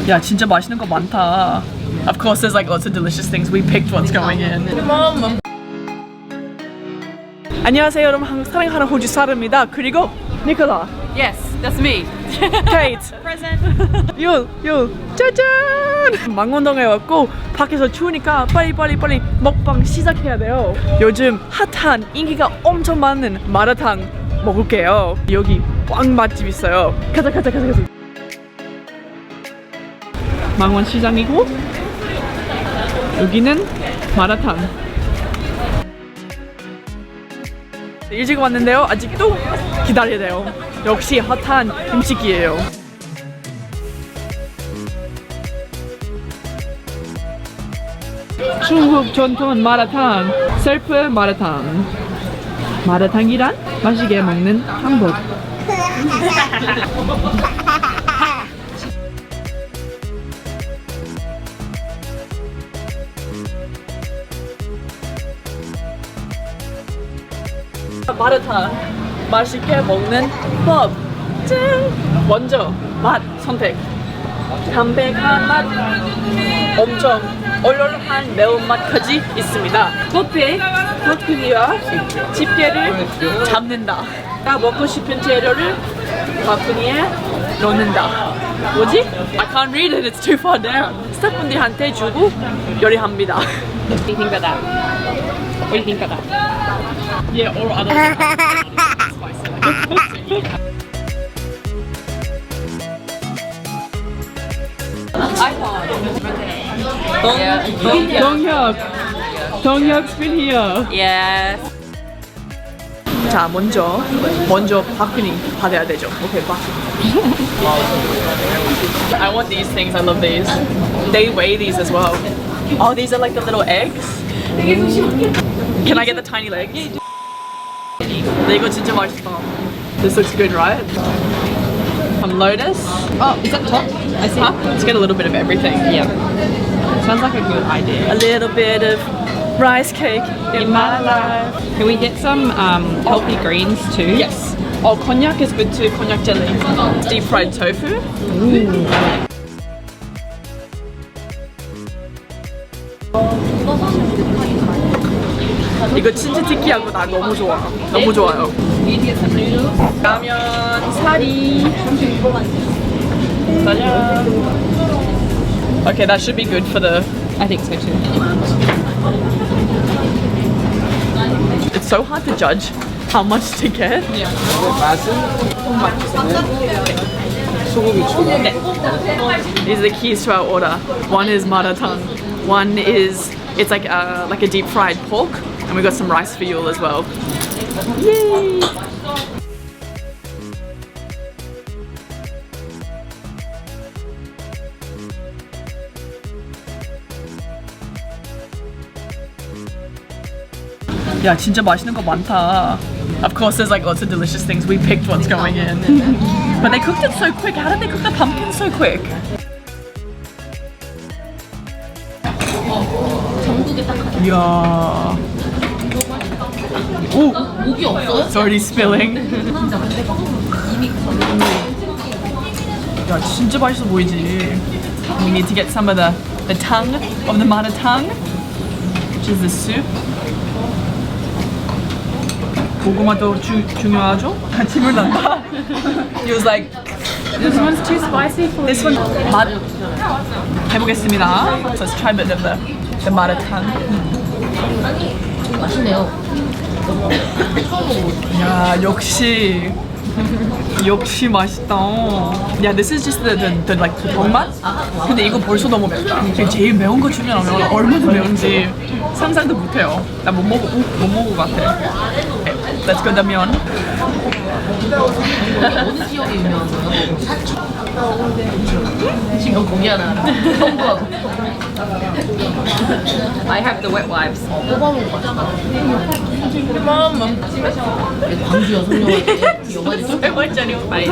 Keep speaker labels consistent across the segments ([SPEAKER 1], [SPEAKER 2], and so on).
[SPEAKER 1] 야 진짜 맛있는 거 많다. Of course there's like lots of delicious things. We picked what's going in. Mom. 안녕하세요 여러분. 사랑하는 호주 사람입니다. 그리고 니콜라.
[SPEAKER 2] Yes, that's me.
[SPEAKER 1] Kate.
[SPEAKER 2] Present.
[SPEAKER 1] 율 짜잔. 망원동에 왔고 밖에서 추우니까 빨리 먹방 시작해야 돼요. 요즘 핫한 인기가 엄청 많은 마라탕 먹을게요. 여기 빵 맛집 있어요. 가자. 망원 시장이고 여기는 마라탕. 일찍 왔는데요. 아직도 기다려야 돼요. 역시 핫한 음식이에요. 중국 전통 마라탕, 셀프 마라탕. 마라탕이란 맛있게 먹는 한복. 마라탕 맛있게 먹는 법. 짠! 먼저 맛 선택. 담백한 맛, 엄청 얼얼한 매운맛까지 있습니다. 토핑이와 집게를 잡는다. 나 먹고 싶은 재료를 바구니에 넣는다. 뭐지? I can't read it. It's too far down. 스태프분들한테 주고 요리합니다.
[SPEAKER 2] What do you think about that? What do you think about that?
[SPEAKER 1] Yeah, or other. 동혁 been here.
[SPEAKER 2] Yes.
[SPEAKER 1] 자, 먼저 바구니 받아야 되죠. 오케이, 바구니. I want these things. I love these. They weigh these as well. Oh, these are like the little eggs. Can I get the tiny legs? 근데 이거 진짜 맛있다. This looks good, right? Some lotus.
[SPEAKER 2] Oh, is that top? I see.
[SPEAKER 1] Huh? Let's get a little bit of everything.
[SPEAKER 2] Yeah. Sounds like a good idea.
[SPEAKER 1] A little bit of rice cake in my life.
[SPEAKER 2] Can we get some healthy greens too?
[SPEAKER 1] Yes. Oh, konjac is good too. Konjac jelly. Deep fried tofu. 이거 진짜 특이하고 나 너무 좋아. 너무 좋아요. 라면 사리. 짜잔. Okay, that should be good for the.
[SPEAKER 2] I think so too.
[SPEAKER 1] It's so hard to judge how much to get. These are the keys to our order. One is maratang. One is it's like a deep fried pork, and we got some rice for you as well. Yay! 야 진짜 맛있는 거 많다. Of course there's like lots of delicious things. We picked what's going in. But they cooked it so quick. How did they cook the pumpkin so quick? 이야. 오!
[SPEAKER 2] 목이 없어요?
[SPEAKER 1] It's already spilling. 야 진짜 맛있어 보이지. We need to get some of the tongue of the maratang, which is the soup. 고구마도 중요하죠? 침을 난다. He was like, this one's too spicy for this one. 맛 해보겠습니다. So let's try a bit of the maratang.
[SPEAKER 2] 맛있네요.
[SPEAKER 1] 야 역시 맛있다. Yeah, this is just the like 맛. 근데 이거 벌써 너무 맵다. 제일 매운 거 주면 얼마나 매운지 상상도 못해요. 나 못 먹을 것 같아. Let's go the 면.
[SPEAKER 2] 어느 지역에 유명한 거예요? 지금 고기 하나. 청구하고. I have the wet wipes. 뽑아먹고 맛있다. 광주 여성영화제 영화제
[SPEAKER 1] 얼마짜리
[SPEAKER 2] 맛있어.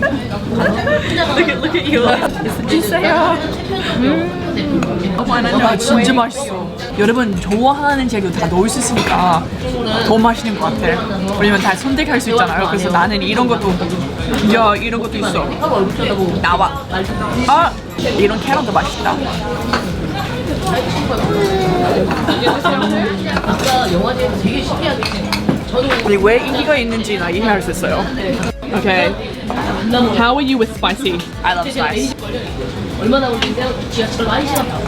[SPEAKER 1] Look at you. 주세요. 야 진짜 맛있어. 여러분 좋아하는 재료 다 넣을 수 있으니까 더 맛있는 것 같아. 왜냐면 다 선택할 수 있잖아요. 그래서 나는 이런 것도 야 이런 것도 있어. 나와. 아 이런 캐럿도 맛있다. 근데 왜 인기가 있는지 나 이해할 수 있어요. Okay. How are you with spicy? I love spice.
[SPEAKER 3] 얼마나 걸리는데요? 지하철 많이 지났다고.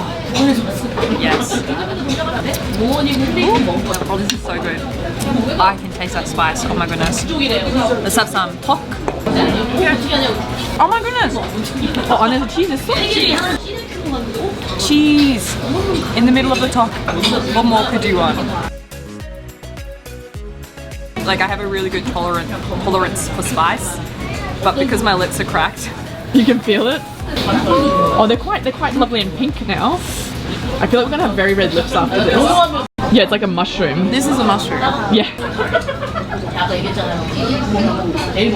[SPEAKER 2] Yes.
[SPEAKER 3] 부모님 핸드폰 먹은 거야.
[SPEAKER 2] Oh, this is so good. I can taste that spice. Oh my goodness. Let's have some pork.
[SPEAKER 1] Oh my goodness. 안에서 cheese 있어?
[SPEAKER 2] Cheese in the middle of the top. What more could you want? Like I have a really good tolerance for spice, but because my lips are cracked,
[SPEAKER 1] You can feel it. Oh, they're quite lovely and pink now. I feel like we're gonna have very red lips after this. Yeah, it's like a mushroom.
[SPEAKER 2] this is a mushroom.
[SPEAKER 1] Yeah.
[SPEAKER 3] 아까 얘기했잖아요. 내일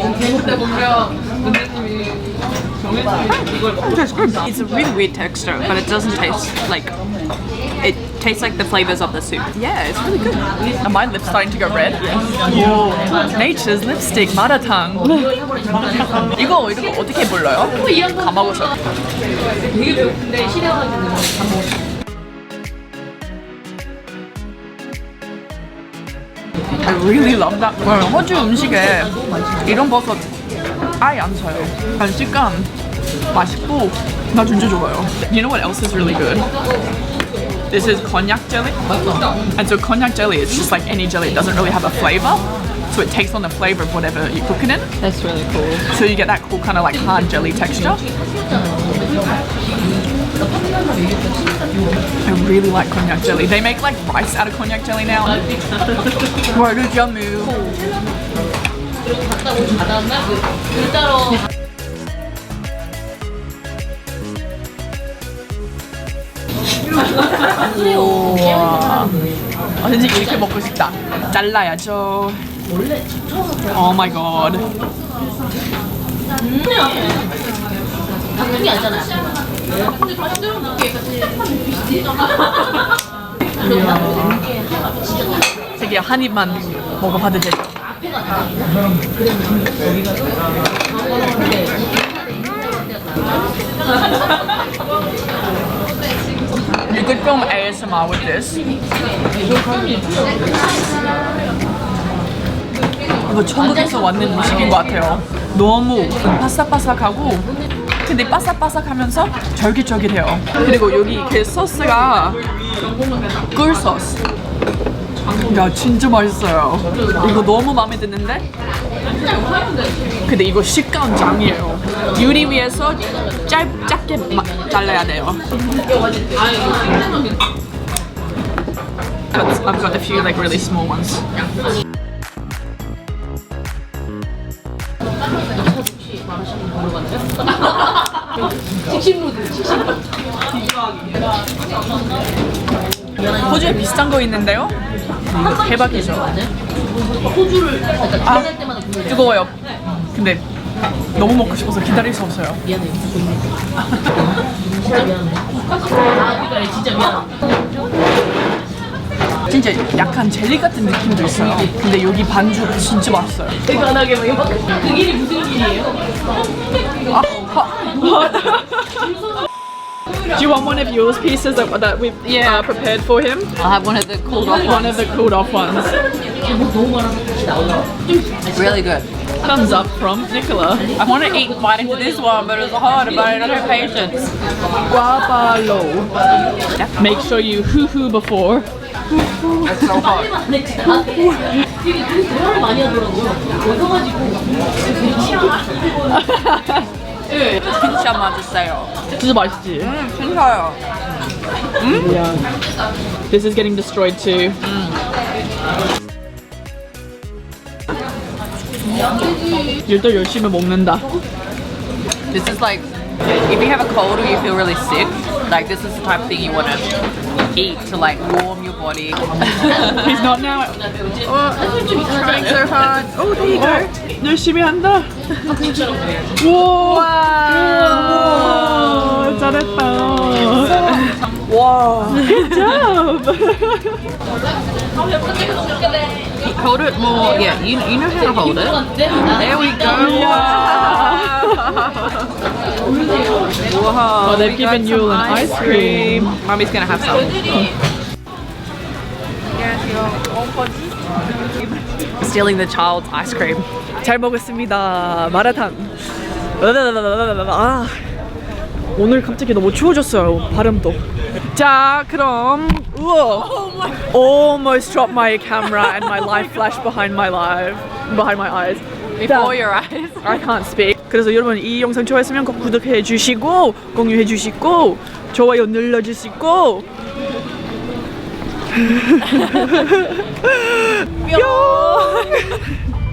[SPEAKER 2] It's a really weird texture, but it doesn't taste like. It tastes like the flavors of the soup. Yeah, it's really good.
[SPEAKER 1] Are my lips starting to go red? Whoa. Nature's lipstick, 마라탕. 이거 어떻게 불러요? 가마고서.
[SPEAKER 3] 되게 배고픈데 시려가지고 밥 먹었어.
[SPEAKER 1] I really love that. 호주 음식에 이런 버섯 아예 안 써요. 그냥 식감 맛있고 나 진짜 좋아요. You know what else is really good? This is cognac jelly. And so cognac jelly is just like any jelly. It doesn't really have a flavor. So it takes on the flavor of whatever you cook it in.
[SPEAKER 2] That's really cool.
[SPEAKER 1] So you get that cool kind of like hard jelly texture. I really like cognac jelly. They make like rice out of cognac jelly now. What did you move?
[SPEAKER 3] 갔다 오지 않았나? 그 따로
[SPEAKER 1] 우와. 왠지 이렇게 먹고 싶다. 잘라야죠. Oh my god.
[SPEAKER 3] 바꾼 게 아니잖아. 근데 다시 들어놓게
[SPEAKER 1] 되게 한 입만 먹어봐도 되죠? You could film ASMR with this. 이거 천국에서 왔는 음식인 것 같아요. 너무 바삭바삭하고 근데 바삭바삭하면서 쫄깃쫄깃해요. 그리고 여기 그 소스가 꿀 소스. 야 진짜 맛있어요. 이거 너무 마음에 드는데 근데 이거 식감 짱이에요. 유리 위에서 짧게 잘라야 돼요. But I've got a few like really small ones. 호주에 비슷한 거 있는데요? 이거 대박이죠.
[SPEAKER 3] 호주를
[SPEAKER 1] 아 뜨거워요. 근데 너무 먹고 싶어서 기다릴 수 없어요.
[SPEAKER 3] 미안해. 진짜 미안해. 아, 그러니까 진짜 미안해.
[SPEAKER 1] 진짜 약간 젤리 같은 느낌도 있어요. 근데 여기 반죽 진짜 맛있어요.
[SPEAKER 3] 대단하게 막 이만큼. 그 길이 무슨 길이에요?
[SPEAKER 1] Do you want one of yours pieces that we've prepared for him?
[SPEAKER 2] I'll have one of the cooled off
[SPEAKER 1] One
[SPEAKER 2] ones.
[SPEAKER 1] of the cooled off ones.
[SPEAKER 3] 뭐 너무 많아서 다시 나올라.
[SPEAKER 2] Really good.
[SPEAKER 1] Thumbs up from Nicola.
[SPEAKER 2] I want to eat bite into this one, but it's hard. But I don't have patience.
[SPEAKER 1] Guapalo. Make sure you hoo-hoo before.
[SPEAKER 2] It's so hot.
[SPEAKER 3] 되게 대화를 많이 하더라고요. 얻어가지고 되게 취향.
[SPEAKER 2] 진짜 맛있어요.
[SPEAKER 1] 진짜 맛있지?
[SPEAKER 2] 진짜요.
[SPEAKER 1] Yeah. This is getting destroyed too. 일도 열심히 먹는다.
[SPEAKER 2] This is like, if you have a cold or you feel really sick, like this is the type of thing you want to eat to like warm your body.
[SPEAKER 1] He's not now.
[SPEAKER 2] Trying so hard. Oh, there you go.
[SPEAKER 1] 열심히 한다. 우와. 우와. 잘했다.
[SPEAKER 2] 와,
[SPEAKER 1] Wow. Good job.
[SPEAKER 2] Hold it more. Yeah, you know how to hold it. There we go. Whoa.
[SPEAKER 1] Oh, they've
[SPEAKER 2] we got
[SPEAKER 1] given you
[SPEAKER 2] some
[SPEAKER 1] an ice cream.
[SPEAKER 2] Mommy's gonna have some.
[SPEAKER 1] Stealing the child's ice cream. 잘 먹었습니다. 마라탕. 아, 오늘 갑자기 너무 추워졌어요. 발음도. 자, 그럼 우와. Almost dropped my camera and my life flashed behind my eyes.
[SPEAKER 2] Before your eyes.
[SPEAKER 1] I can't speak. 그래서 여러분 이 영상 좋아했으면 꼭 구독해 주시고 공유해 주시고 좋아요 눌러 주시고 뿅.